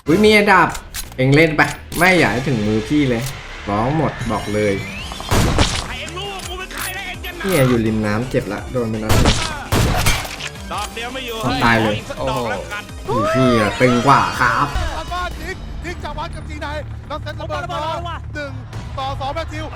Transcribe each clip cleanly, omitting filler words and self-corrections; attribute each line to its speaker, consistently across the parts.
Speaker 1: อุ้ยมีอันดับเองเล่นไปไม่อยากให้ถึงมือพี่เลยร้องหมดบอกเลยนี่อยู่ริมน้ำเจ็บละโดนไปแล้ว
Speaker 2: ดอกเดียวไม่อยู่
Speaker 1: ตายเลย
Speaker 2: โอ้โห
Speaker 1: พี่อะตึงกว่าครับ
Speaker 3: แล้วก็ทิกจากวัดกับจีนายแล้วเซตระเบิดมา1-2แมทธิว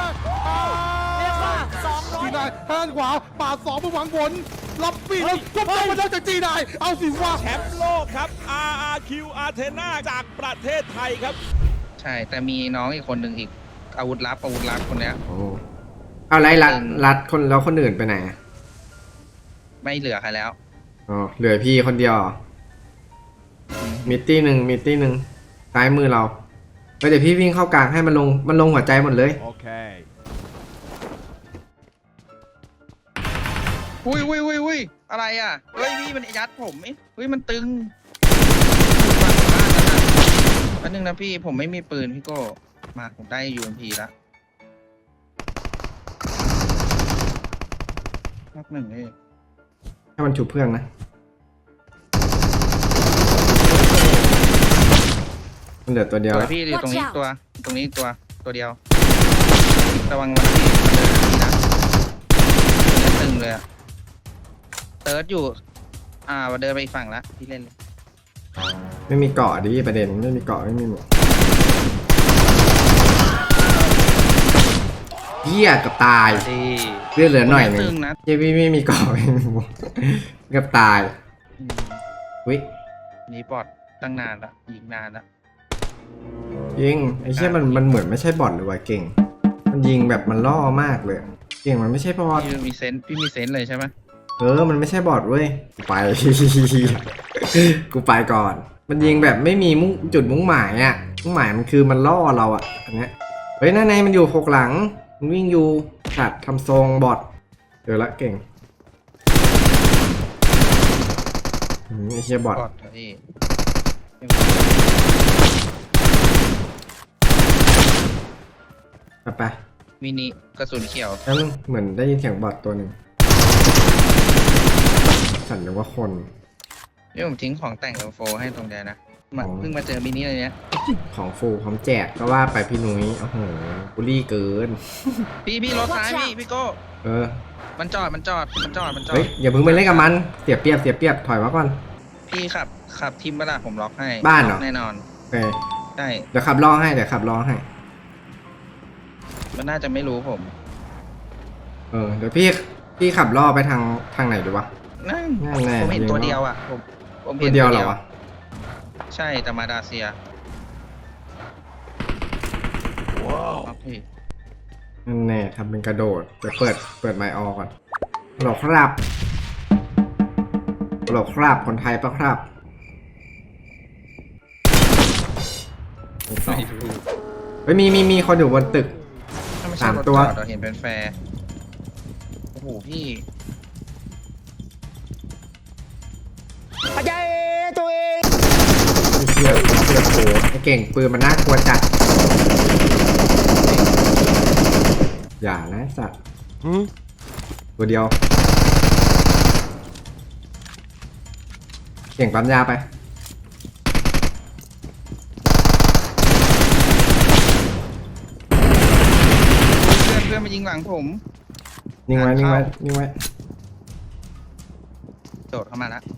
Speaker 3: จีนายแฮนขวาปาด2ไปหวังผลรับปีแล้วก็ต้องมาได้จากจีนายเอาสิว่า
Speaker 2: แชมป์โลกครับ RRQ Athena จากประเทศไทยครับ
Speaker 4: ใช่แต่มีน้องอีกคนหนึ่งอีกอาวุธลับคนเนี้ย
Speaker 1: โอ้เอาไรรัดคนแล้วคนอื่นไปไหนอะ
Speaker 4: ไม่เหลือใครแล้ว
Speaker 1: อ๋อเหลือพี่คนเดียวเหรอมิตตี้หนึ่งซ้ายมือเราไปเดี๋ยวพี่วิ่งเข้ากลางให้มันลงหัวใจหมดเลย
Speaker 2: โอเค
Speaker 4: อุ้ยอะไรอ่ะเฮ้ยพี่มันยัดผมเฮ้ยมันตึงอันนึงนะพี่ผมไม่มีปืนพี่โก้มาผมได้ UMP แล้วนักหนึ่งนี่
Speaker 1: ให้มันฉุบเพื่อนนะมันเหลือตัวเดียว
Speaker 4: ตัว
Speaker 1: แล้ว
Speaker 4: พี่อยู่ตรงนี้ตรงนี้ตัวเดียวระวังวันพี่เดินนี่นะตึงเลยอะเติร์ดอยู่เดินไปอีกฝั่งละพี่เล่นเลย
Speaker 1: ไม่มีเกาะดิประเด็นไม่มีเกาะไม่มีหมวกเหี้ยกับตายเลือดเหลือหน่อยหนึง
Speaker 4: ตึงนะ
Speaker 1: เหี้ยพี่ไม่มีเกาะไม่มีหมวกกับตายวิ
Speaker 4: นี่บอดตั้งนานละยิงนานละ
Speaker 1: ยิงไอ้เหี้ยมันเหมือนไม่ใช่บอทเลยว่ะเก่งมันยิงแบบมันล่อมากเลยเก่งมันไม่ใช่บอท
Speaker 4: พี่มีเซนส์เลยใช่ไหม
Speaker 1: มันไม่ใช่บอทเว้ยไป กูไปก่อน มันยิงแบบไม่มีจุดมุ่งหมายอ่ะมุ่งหมายมันคือมันล่อเราอ่ะอันเนี้ยเฮ้ยนั่นไงมันอยู่หกหลังมันวิ่งอยู่ขัดทำทรงบอทเจอละเก่งไอ้เชี่ยบอท
Speaker 4: บอดเหรอพี่
Speaker 1: ไป
Speaker 4: มินิกระสุนเขียว
Speaker 1: แล้วเหมือนได้ยินเสียงบอทตัวหนึ่งสั่นนึกว่าคน
Speaker 4: นี่ผมทิ้งของแต่งกับโฟให้ตรงเดียวนะ
Speaker 1: อ๋อ
Speaker 4: เพิ่งมาเจอมินิเลยเนี้ย
Speaker 1: ของฟูพร้อมแจกก็ว่าไปพี่นุ้ยโอ้โหบุลี่เกิน
Speaker 4: พี่รถซ้ายพี่โก้
Speaker 1: เออ
Speaker 4: มันจอด
Speaker 1: เฮ้ยอย่าเพิ่งไปเล่นกับมันเสียเปรียบถอยมาก่อน
Speaker 4: พี่ขับทิมเวลาผมล็อกให้
Speaker 1: บ้านเหรอ
Speaker 4: แน่นอน
Speaker 1: โอเค
Speaker 4: ได้
Speaker 1: เดี๋ยวขับล้อให้
Speaker 4: มันน่าจะไม่รู้ผม
Speaker 1: เดี๋ยวพี่ขับล่อไปทางไหนดีวะ
Speaker 4: นั่น
Speaker 1: นั่นแน่
Speaker 4: ผมเห็น
Speaker 1: ยิง
Speaker 4: ตัว
Speaker 1: แล้ว
Speaker 4: เดียวอ่ะผม
Speaker 1: ตั
Speaker 4: เห็
Speaker 1: วน เดียวเหรอวะ
Speaker 4: ใช่แต่มาดาเซียว้าวพี่
Speaker 1: นั่นแน่ทำเป็นกระโดดเดี๋ยวเปิดไมค์ออก่อนฮัลโหลครับคนไทยปะครับเฮ้ยมีคนอยู่บนตึก
Speaker 4: ถ้าไม่ใช่
Speaker 1: สาม
Speaker 4: รถ
Speaker 1: ตัว
Speaker 4: จอดเราเห็นเป็นแฟร์โอ้โหพี่
Speaker 1: ไอ้เชี่ยโผไอ้เก่งปืนมันน่ากลัวจัดอย่านะสัตว์ตัวเดียวเก่งปั๊มยาไป
Speaker 4: เพื่อนมายิงหลังผม
Speaker 1: นิ่งไว้
Speaker 4: โดดเข้ามาแล้ว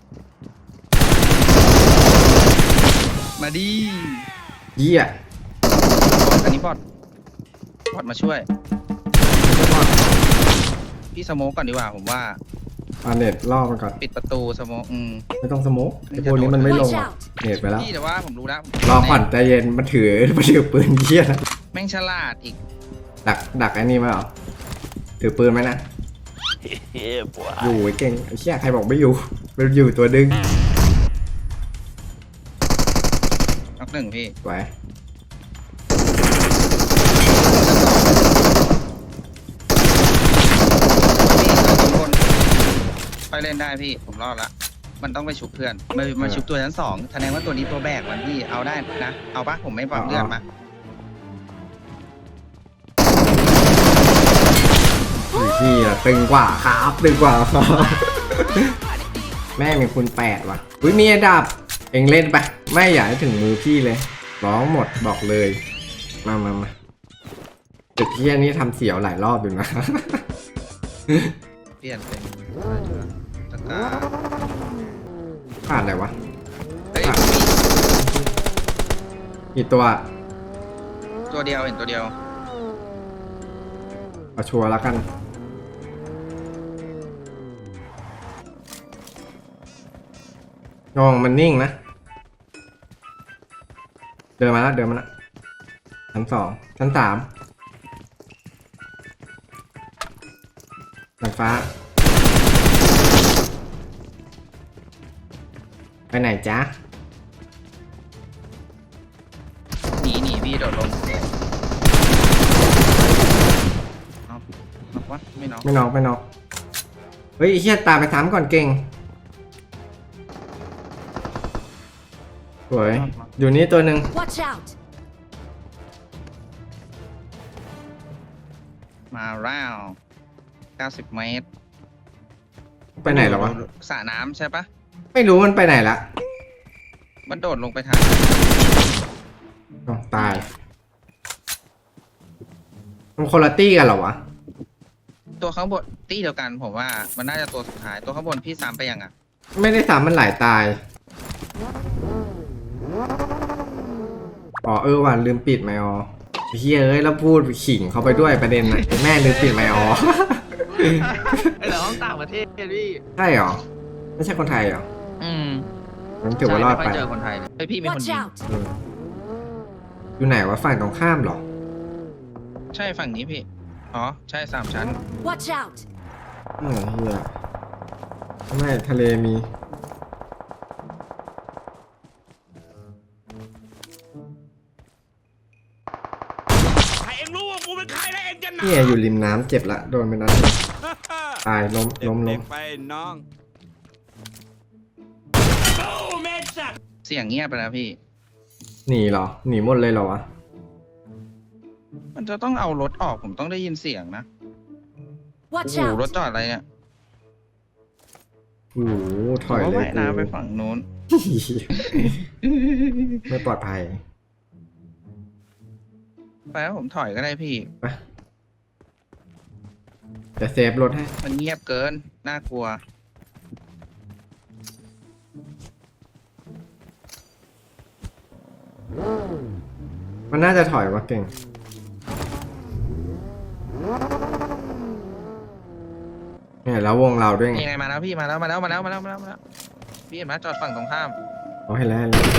Speaker 4: มาดี
Speaker 1: เยี่ย
Speaker 4: อันนี้บอดมาช่วย พี่สโมกก่อนดีกว่าผมว่า
Speaker 1: เอาเน็ตล่อมันก่อน
Speaker 4: ปิดประตูสโมก
Speaker 1: ไม่ต้องสโมกไอ้พวกนี้มันไม่ลงหรอกเน็ตไปแล้ว
Speaker 4: พี่แต่ว่าผมรู้แล้ว
Speaker 1: รอผ่อนใจเย็นมันถือปืนเยี่ยนะ
Speaker 4: แม่งฉลาดอีก
Speaker 1: ดักไอ้นี่ไหมเหรอถือปืนไหมนะอยู่ไอ้เก่งไอ้เชี่ยใครบอกไม่อยู่มันอยู่ตัวดึง
Speaker 4: น็อกหนึ่งพี่
Speaker 1: ไว้
Speaker 4: ไปเล่นได้พี่ผมรอดละมันต้องไปชุบเพื่อนมาชุบตัวชั้นสองแสดงว่าตัวนี้ตัวแบกมันพี่เอาได้นะเอาปะผมไม่ปรับเลือดมา
Speaker 1: พี่อะตึงกว่าครับแม่งมีคุณ8ว่ะอุ้ยมีอันดับเองเล่นไปไม่อยากให้ถึงมือพี่เลย ร้องหมดบอกเลย มาตึกเที่ยนี้ทำเสียวหลายรอบอยู่นะ
Speaker 4: เปลี่ยนเป็นอะไรดีวะตะกร้า
Speaker 1: ขาดอะไรวะ
Speaker 4: เฮ้ย
Speaker 1: กี่ตัว
Speaker 4: ตัวเดียวเห็นตัวเดียว
Speaker 1: เอาชัวร์แล้วกันงงมันนิ่งนะ เดินมาแล้วชั้น 2 ชั้น 3ชั้นฟ้า ไปไหนจ๊ะ
Speaker 4: หนีพี่โดดลงน็อกวะไม่น็อก
Speaker 1: ไม่น็อกเฮ้ยไอ้เฮียตามไปซ้ำก่อนเก่งสวยอยู่นี่ตัวหนึ่ง
Speaker 5: Watch out!
Speaker 4: มาแล้ว90 เมตร
Speaker 1: ไปไหนแล้ววะ
Speaker 4: สระน้ำใช่ปะ
Speaker 1: ไม่รู้มันไปไหนละ
Speaker 4: มันโดดลงไปทาง
Speaker 1: อ้าวตาย มันคนละตี้กันเหรอวะ
Speaker 4: ตัวข้างบนตี้เดียวกันผมว่ามันน่าจะตัวสุดท้ายตัวข้างบนพี่ซ้ำไปยังอ่ะ
Speaker 1: ไม่ได้ซ้ำมันหลายตาย อ๋อว่ะลืมปิดไมค์ออเฮียเอ้ยแล้วพูดขิงเขาไปด้วยประเด็นน่ะแม่ลืมปิดไมค์ออ
Speaker 6: ไอ้เหรอห้องต่างประเทศพี่
Speaker 1: ใช่เหรอ ไม่ใช่คนไทยเหรอ
Speaker 4: อืม
Speaker 1: มันถือว่ารอด
Speaker 4: ใช่
Speaker 1: ไป
Speaker 4: ไม่ค่อยเจอคนไทยเลยเฮ้ยพี่มีคน
Speaker 5: Watch
Speaker 4: ยิง
Speaker 5: out!
Speaker 1: เอออยู่ไหนวะฝั่งตรงข้ามเหรอ
Speaker 4: ใช่ฝั่งนี้พี่อ๋อใช่3 ชั้น
Speaker 5: Watch out!
Speaker 1: เออเฮียไม่ทะเลมี
Speaker 2: ให้เองรู้ว่ากูเป็นใครแล้วเองจะหนา
Speaker 1: เนี่ยอยู่ริมน้ำเจ็บละโดนไปนัดหนึ่งตายล้ม
Speaker 2: เด็กๆไปน้องโอ้เมจัด
Speaker 4: เสียงเงียบไปแล้วพี่
Speaker 1: หนีเหรอ หนีหมดเลยเหรอวะ
Speaker 4: มันจะต้องเอารถออกผมต้องได้ยินเสียงนะโอ้
Speaker 5: Watch
Speaker 4: โหรถ
Speaker 5: out!
Speaker 4: จอดอะไรเนี่ย
Speaker 1: โอ้โหถอย
Speaker 4: ผม
Speaker 1: เล
Speaker 4: ว่าย น้ำไป
Speaker 1: กู
Speaker 4: ฝั่งนู้น
Speaker 1: ไม่ปลอดภัย
Speaker 4: ไปแล้วผมถอยก็ได้พี่
Speaker 1: ไปจะเซฟรถให้
Speaker 4: มันเงียบเกินน่ากลัว
Speaker 1: มันน่าจะถอยว่าเก่ง เนี่ยแล้ววงเราด้วยไง
Speaker 4: ยังไงมาแล้วพี่มาแล้วพี่เห็นไหมจอดฝั่งตรงข้าม
Speaker 1: เอาให้แล้วให้แล้ว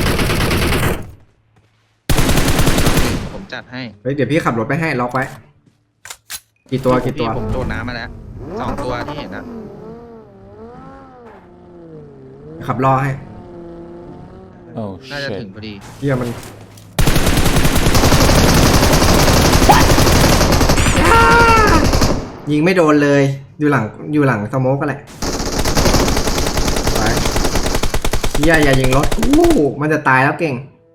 Speaker 4: ผมจัดให้
Speaker 1: เฮ้ยเดี๋ยวพี่ขับรถไปให้ล็อกไว้ กี่ตัว
Speaker 4: พี่ผมโดดน้ำมาแล้ว2 ตัวที่เห็นอะ
Speaker 1: ขับรอให้
Speaker 7: Oh
Speaker 4: น่าจะ
Speaker 7: shit.
Speaker 4: ถึงพอดี
Speaker 1: เฮียมันยิงไม่โดนเลย อยู่หลังสโมกกันแหละไปเฮียอย่ายิงรถกูมันจะตายแล้วเก่ง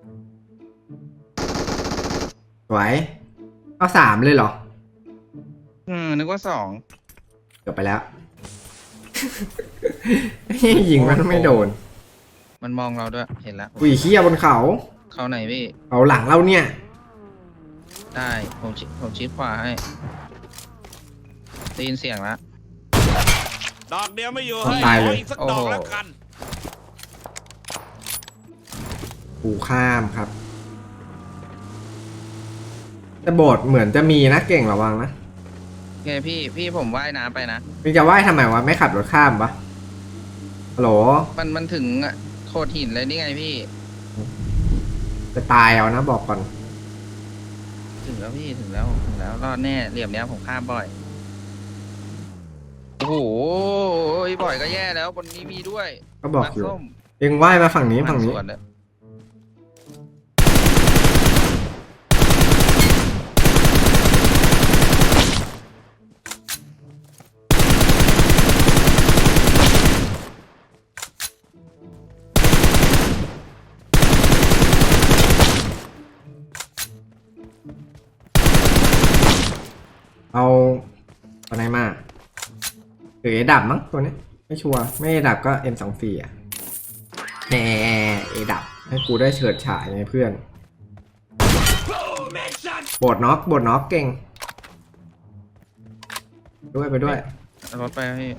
Speaker 1: สวยเอา3เลยเหรอ
Speaker 4: นึกว่า2
Speaker 1: เกือบไปแล้ว ยิงมันไม่โดน
Speaker 4: มันมองเราด้วยเห็นแล้ว
Speaker 1: อุ้ยเฮียบนเขา
Speaker 4: เขาไหนพี่
Speaker 1: เขาหลังเราเนี่ย
Speaker 4: ได้ผมชิดขวาให้ได้ยินเสียงแล้ว
Speaker 2: ดอกเดียวไม่อยู่
Speaker 1: ตายเลย
Speaker 2: ขออีกสักดอกแล้วกัน
Speaker 1: กูข้ามครับ แต่โบสถ์เหมือนจะมีนะเก่งระวังนะ
Speaker 4: ไงพี่ผมว่ายน้ำไปนะ
Speaker 1: มึงจะว่ายทำไมวะไม่ขับรถข้ามปะฮัลโหล
Speaker 4: มันถึงโขดหินเลยนี่ไงพี่
Speaker 1: จะตายเอานะบอกก่อน
Speaker 4: ถึงแล้วพี่ถึงแล้วรอดแน่เหลี่ยมเนี้ยผมข้ามบ่อยโอ้โหบ่อยก็แย่แล้วบนนี้มีด้วย
Speaker 1: ก็บอกอยู่
Speaker 4: น้ำส้ม
Speaker 1: เองว่ายมาฝั่งนี้ฝั่งนี้
Speaker 4: สวนเลย
Speaker 1: เอาอะไรมาหรือเอดับมั้งตัวนี้ไม่ชัวร์ไม่เอดับก็ M24 อ่ะแหมเอดับให้กูได้เฉิดฉายไงเพื่อนบดน็อกเก่งด้วยไปด้วย
Speaker 4: เอารถไป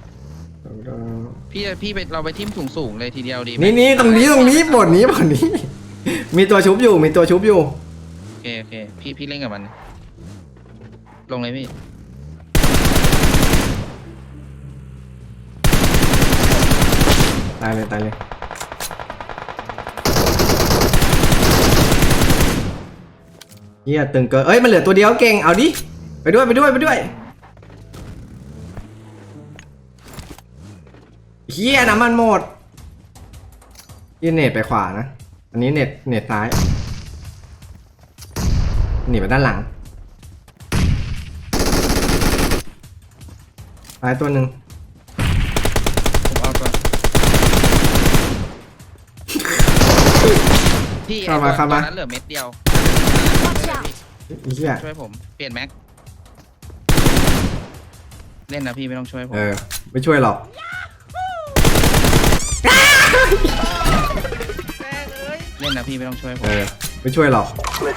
Speaker 4: พี่ไปเราไปทิ่มสูงเลยทีเดียวดีไหม
Speaker 1: นี่ตรงนี้บดนี้มีตัวชุบอยู่
Speaker 4: โอเคพี่เล่นกับมัน ลงเลยพี่
Speaker 1: ตายเลยเฮียตึงเกินเอ้ยมันเหลือตัวเดียวเก่งเอาดิไปด้วยเฮียน้ำมันหมดยี่เน็ตไปขวานะอันนี้เน็ตซ้ายหนีไปด้านหลังซ้ายตัวหนึ่ง
Speaker 4: ผมเอาก่อนพี่
Speaker 1: เข้ามา
Speaker 4: ตอนนั้นเหลือเม็ดเดียว
Speaker 1: เฮีย
Speaker 4: ช่วยผมเปลี่ยนแม็กเล่นนะพี่ไม่ต้องช่วยผม
Speaker 1: ไม่ช่วยหรอก
Speaker 4: เล่นนะพี่ไม่ต้องช่วยผม
Speaker 1: ไม่ช่วยหรอก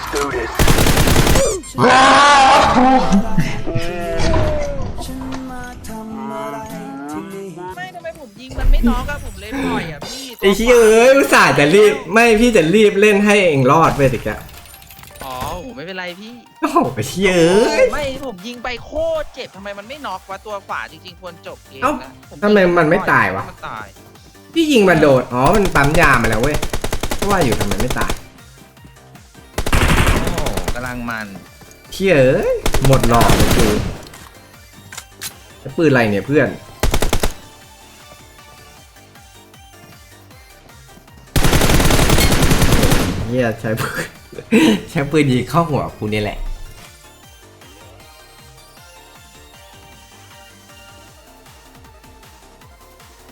Speaker 6: ไม่ทำไมผมยิงมันไม่น็อกอะผมเล่นบ่อยอะพี่
Speaker 1: ไอ้เหี้ยอุตส่าห์จะรีบไม่พี่จะรีบเล่นให้เองรอดไปสิแก
Speaker 6: อ๋อผมไม่เป็นไรพี่
Speaker 1: โอ้โหไอ้เหี้ย
Speaker 6: ไม่ผมยิงไปโคตรเจ็บทำไมมันไม่น็อกวะตัวฝาจริงๆควรจบเกมนะผ
Speaker 1: ทำไมมันไม่ตายวะ
Speaker 6: มันตาย
Speaker 1: พี่ยิงมันโดดมันปั๊มยามาแล้วเว้ยเพราะว่าอยู่ทำไมไม่ตาย
Speaker 4: โอ้กำลังมัน
Speaker 1: เหี้ยหมดหลอดเลยกูไอ้ปืนอะไรเนี่ยเพื่อนเหี้ยใช้ปืนยิงเข้าหัวกูนี่แหละ